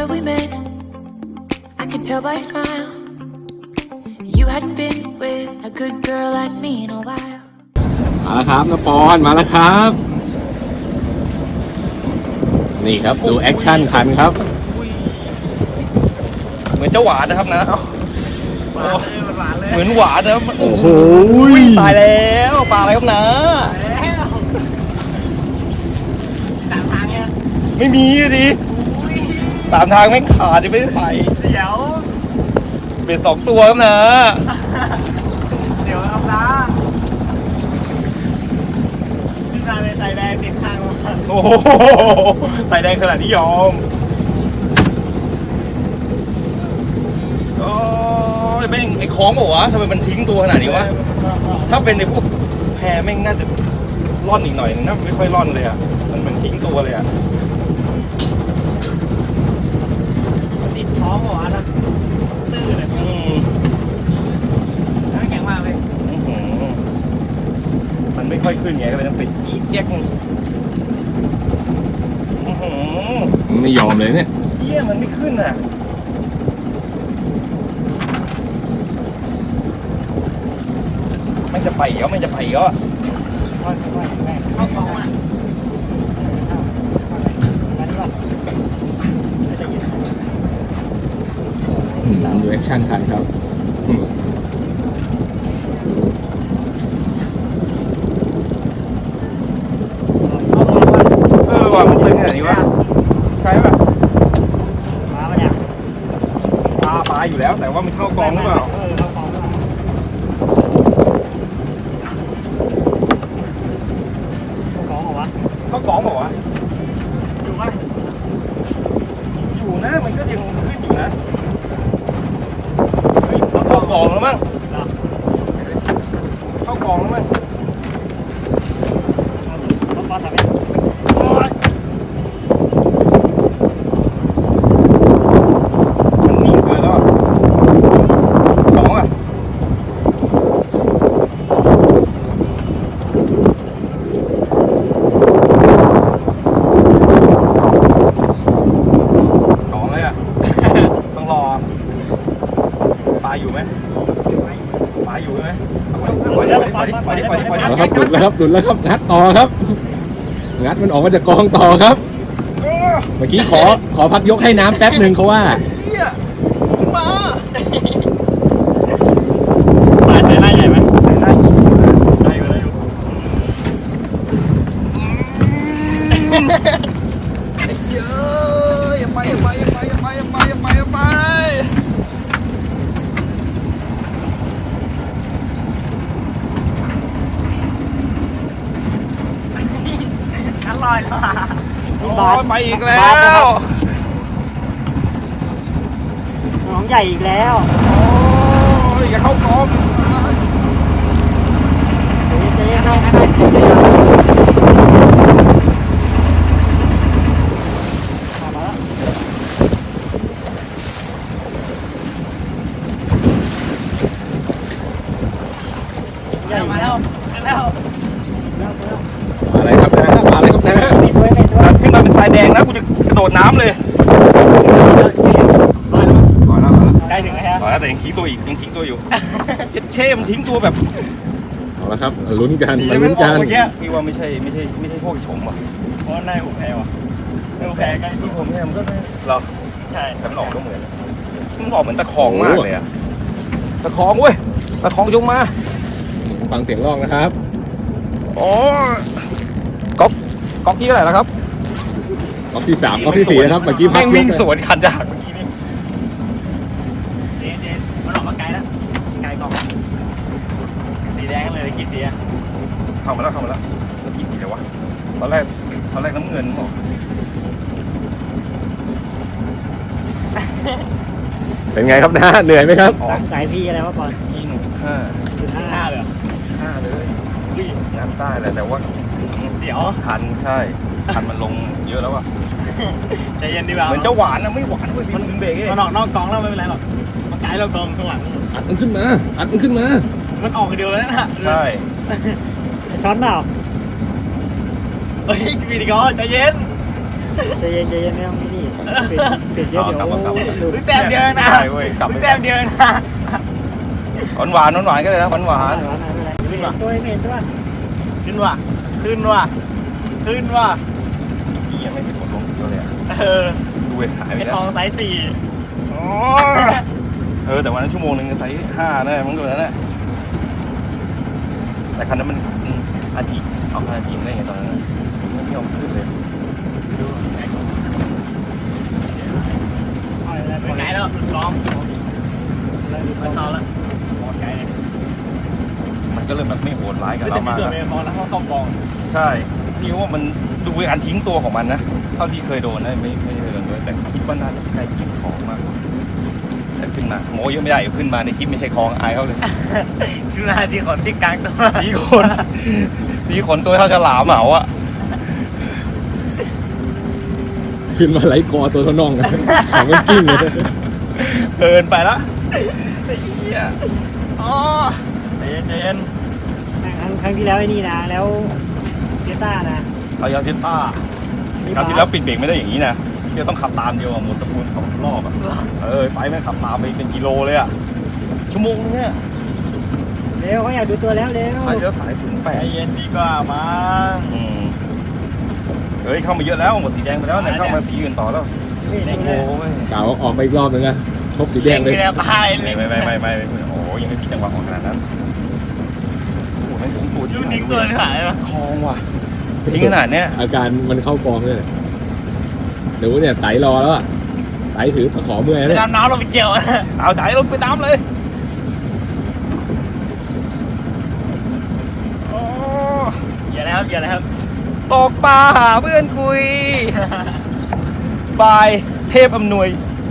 summer we met, I could tell by your smile you hadn't been with a good girl like me in a while. มาแล้วครับนปอนมาแล้วครับนี่ครับดูแอคชั่นคันครับเหมือนเจ้าหวานนะครับนะเหมือนหวานนะโอ้โหตายแล้วปลาอะไรครับนะไม่มีดิตามทางไม่ขาดจะไม่ได้ใส่เดี๋ยวเป็น2 ตัวครับนะเดี๋ยวเอาละพี่นายเป็นใส่แดงติดข้างโอ้โหใส่แดงขนาดนี้ยอมโอ้ยแม่งไอ้คล้องบอกวะทำไมมันทิ้งตัวขนาดนี้วะถ้าเป็นในพวกแพแม่งน่าจะร่อนอีกหน่อยนะไม่ค่อยร่อนเลยอ่ะมันทิ้งตัวเลยอ่ะติดท้องหัวนะตื้อเลยแข็งมากเลยมันไม่ค่อยขึ้นไงก็เลยต้องปิดอีแจ็คไม่ยอมเลยเนี่ยเที่ยมันไม่ขึ้นอ่ะไม่จะไปเหรอไม่จะไปเหรอเข้ากองอ่ะดูแอคชั่นคันครับว่ามันตึงขนาดนี้วะใช่ป่ะปลาอยู่แล้วแต่ว่ามันเข้ากองหรือเปล่าเข้ากองเหรอวะอยู่ป่ะอยู่นะมันก็ยังขึ้นอยู่นะเข้ากองแล้วมั้งเข้ากองแล้วมั้งหลุดแล้วครับงัดต่อครับงัดมันออกมาจากกองต่อครับเมื่อกี้ขอพักยกให้น้ำแป๊บหนึ่งเขาว่ามาใส่ไล่ใหญ่ไหมได้อยู่เยอะอย่าไปลอยไปอีกแล้วน้องใหญ่อีกแล้วโอ้ยอย่าเข้ากองมาแล้วอะไรครับนะอะไรครับนะสัตว์ขึ้นมาเป็นสายแดงนะกูจะกระโดดน้ำเลยใกล้ถึงแล้วแต่ยังทิ้งตัวอีกยังทิ้งตัวอยู่เช่มันทิ้งตัวแบบเอาละครับลุ้นกันมาลุ้นกันพี่ว่าไม่ใช่พวกผมอ่ะเพราะนายผมแพ้ว่ะผมแพ้ใกล้ที่ผมเนี่ยมันก็หรอใช่แต่มันออกก็เหมือนมันออกเหมือนตะคองมากเลยอะตะคองเว้ยตะคองยงมาฟังเสียงร้องนะครับอ๋อก๊อกที่เท่าไหร่แล้วครับก๊อกที่ 3ก๊อกที่ 4นะครับเมื่อกี้พักวิ่งสวนคันจากเมื่อกี้นี่มันออกมาไกลแล้วไกลกองสีแดงเลยกี่สีอะเข้ามาแล้วแล้วกี่สีแล้ววะตอนแรกน้ำเงินบอกเป็นไงครับนะเหนื่อยไหมครับสายพี่อะไรวะบอล 5เลย5เลยงานใต้แหละแต่ว่าเสียวคันใช่คันมันลงเยอะแล้วอ่ะใจเย็นดีกว่าเหมือนเจ้าหวานนะไม่หวานด้วยมันเบรกมันออกนอกกองแล้วไม่เป็นไรหรอกมันไกลเรากองข้างหลังอัดมันขึ้นมามันออกเดียวแล้วนะใช่ช้อนเปล่าเฮ้ยพี่ดิกอใจเย็นใจเย็นใจเย็นไม่ต้องนี่ปิดเยอะเดี๋ยวดูแต้มเดียวนะใช่เว้ยกลับไปแต้มเดียวนะหวานก็เลยนะหวานขึ้นว่ะตัวเมนตัวขึ้นว่ะขึ้นว่ะขึ้นว่ะพี่ยังไม่เห็นผลลงเยอะเลยอะ ดูเลยหายไปไอ้แล้ทวองไซส์4 แต่วันนั้นชั่วโมงนึงไซส์5ได้มั้งตัวนั้นแหละแต่คันนั้นมันอาทิเอาคันอาทิได้ไงตอนนั้นไม่ยอมขึ้นเลยไกลแล้วล้อมไม่เข้าแล้วหมดไกลเลยมันก็เลยแบบไม่โหดร้ายกับแต่เรามีมากส่วนอะเป็นพอแล้วเข้ากองใช่พี่ว่ามันดูการทิ้งตัวของมันนะเท่าที่เคยโดนนะไม่เคยโดนเลยแต่คิดว่าน่าจะใกล้ทิ้งของมากกว่าแต่ขึ้นมาโม้เยอะไม่ได้ขึ้นมาในคลิปไม่ใช่คลองอายเขาเลยคือนาทีขนที่กลางตัวสีขนตัวเท่าฉลามเหมาอ่ะขึ้นมาไหลกอตัวเท่าน่องกันขามันกิ้งเลยเกินไปละอ๋อใจเย็นครั้งที่แล้วไอ้นี่นะแล้วเจต้านะเอายาซิต้าคราวที่แล้วปิดเบรกไม่ได้อย่างนี้นะเดี๋ยวต้องขับตามเดียวหมดตะปูน2 รอบอ่ะไปแม่งขับตามไปเป็นกิโลเลยอ่ะชั่วโมงนึงเนี่ยเร็วเขาอยากดูตัวแล้วเร็วไปเยอะสายถึงใจเย็นดีกว่ามั้งเฮ้ยเข้ามาเยอะแล้วหมดสีแดงไปแล้วเนี่ยเข้ามาสีอื่นต่อแล้วโอ้ยกล่าวออกไปอีกรอบนึงนะชกสีแดงเลยแล้วพายเลยไม่โอ้ยังไม่มีจังหวะของขนาดนั้นโอ้ไม่ถึงตัวยูนิคตัวหายปะคลองว่ะทิ้งขนาดเนี้ยอาการมันเข้ากองเลยเดี๋ยวเนี่ยไตรอแล้วอะไตถือตะขอเมื่อยไปเนี่ยดำน้ำลงไปเกี่ยวเอาใจลงไปตามเลยโอ้อย่าแล้วครับอย่าแล้วครับตกปลาหาเพื่อนคุยบายเทพอำนวย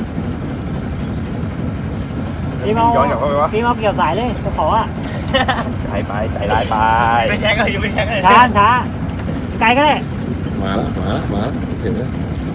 พี่เมาย้อนกลับเข้าไปวะพี่เมาเกี่ยวสายเลยจะขออ่ะใจไปใจร้ายไปไม่แช็คก็ยังไม่แช็คเลยช้าไกลก็ได้มาแล้วถึงแล้ว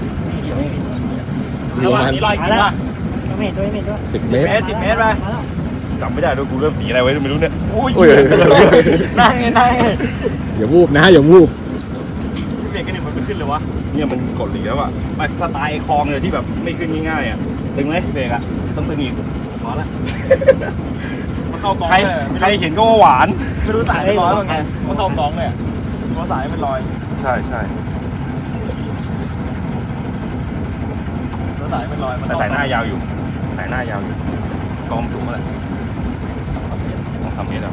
มีระปหระว่างมาณนี้ลอยกินป่ะตัวเมนตัว 10 เมตร 10 เมตรไปจำไม่ได้ด้วยกูเริ่มสีอะไรไว้ไม่รู้เนี่ยอุ้ยโอ้ยนั่งไงอย่าวูบนะอย่าวูบเบรกกันหนึ่งมันไม่ขึ้นเลยวะเนี่ยมันกดหลีแล้วอ่ะมันสไตล์คลองเลยที่แบบไม่ขึ้นง่ายๆอ่ะตึงไหมเบรกอ่ะต้องตึงอีกพอละมันเข้ากองใครเห็นก็ว่าหวานไม่รู้สายเป็นร้อยว่าไงมันเข้ากองเลยเพราะสายเป็นรอยใช่สายเป็นรอยแต่สายหน้ายาวอยู่กองถูกเมื่อไหร่ต้องทำนี้แหละ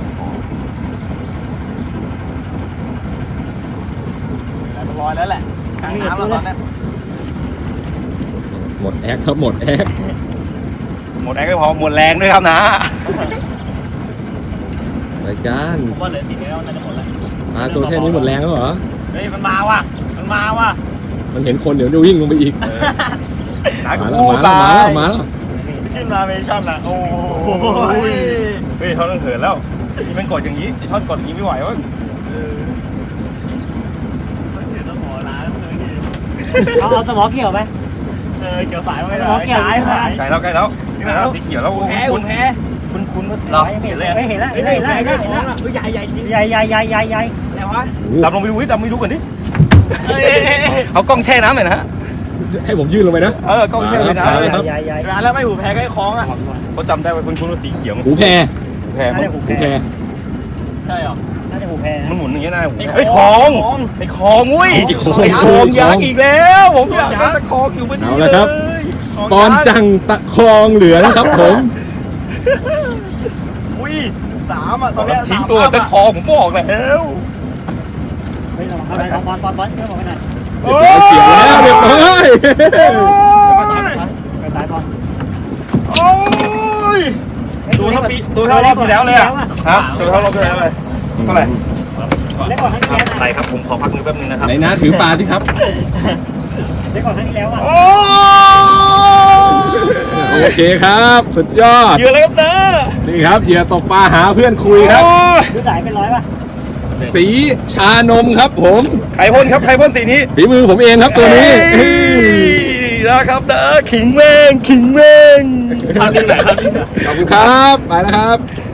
เป็นรอยแล้วแหละกลางน้ำแล้วตอนนี้หมดแอคครับหมดแอคหมดแรงไม่พอหมดแรงด้วยครับนะรายการผมว่าเหลือ10 เมตรน่าจะหมดแล้วมาตัวแค่นี้หมดแรงแล้วเหรอเฮ้ยมันมาว่ะมันเห็นคนเดี๋ยวจะวิ่งลงไปอีกหนักมากูแล้วตายมาแล้วขึ้นมาเมชั่นละโอ้ยเฮ้ยเขาต้องเหินแล้วนี่มันกดอย่างนี้ท่อนกดอย่างนี้ไม่ไหววะเดี๋ยวต้องหัวร้านเลยเอาสมอเกี่ยวไหมเกี่ยวสายมาไม่ได้เกี่ยวสายใกล้แล้วสีเขียวแล้วคุณเราเห็นแล้วใหญ่แล้ววะดำลงไปดูดำไม่รู้ก่อนดิเอากล้องแช่น้ำหน่อยนะฮะให้ผมยื่นลงไปนะกล้องแช่น้ำเลยร้านแล้วไม่หูแพ้ก็ไอ้คล้องอ่ะเขาจำได้ว่าคุณว่าสีเขียวหูแพรแพรหูแพรใช่หรอน่าจะหูแพ้มันหมุนอย่างนี้นะไอ้คลองไอ้คลองอุ้ยไอ้คลองยักษ์อีกแล้วผมอยากได้ตะคลองอยู่บนนี้เอาละครับตอนจังตะคองเหลือนะครับผมอุ้ย3อ่ะตอนนี้ทิ้งตัวตะคลองผมบอกแล้วเฮ้ยระวังเข้าไปบอลเชื่อผมไปหน่อยเกี่ยวแล้วเรียบร้อยไปสายบอลโอ้ยตัวเท่ารอบที่แล้วเลยอ่ะฮะตัวเท่ารอบที่แล้วเลยเท่าไหร่เล็กกว่าครั้งที่แล้วอะไรครับผมขอพักมือแป๊บนึงนะครับไหนนะถือปลาที่ครับเล็กกว่าครั้งที่แล้วอ่ะโอ้โอเคครับ สุดยอดเยอะเลยครับเนอะนี่ครับเหยื่อตกปลาหาเพื่อนคุยครับดูสายเป็น100ป่ะสีชานมครับผมใครพ่นครับใครพ่นสีนี้ฝีมือผมเองครับตัวนี้นะครับเนอะขิงเม่งทำยังไงครับขอบคุณครับไปแล้วครับ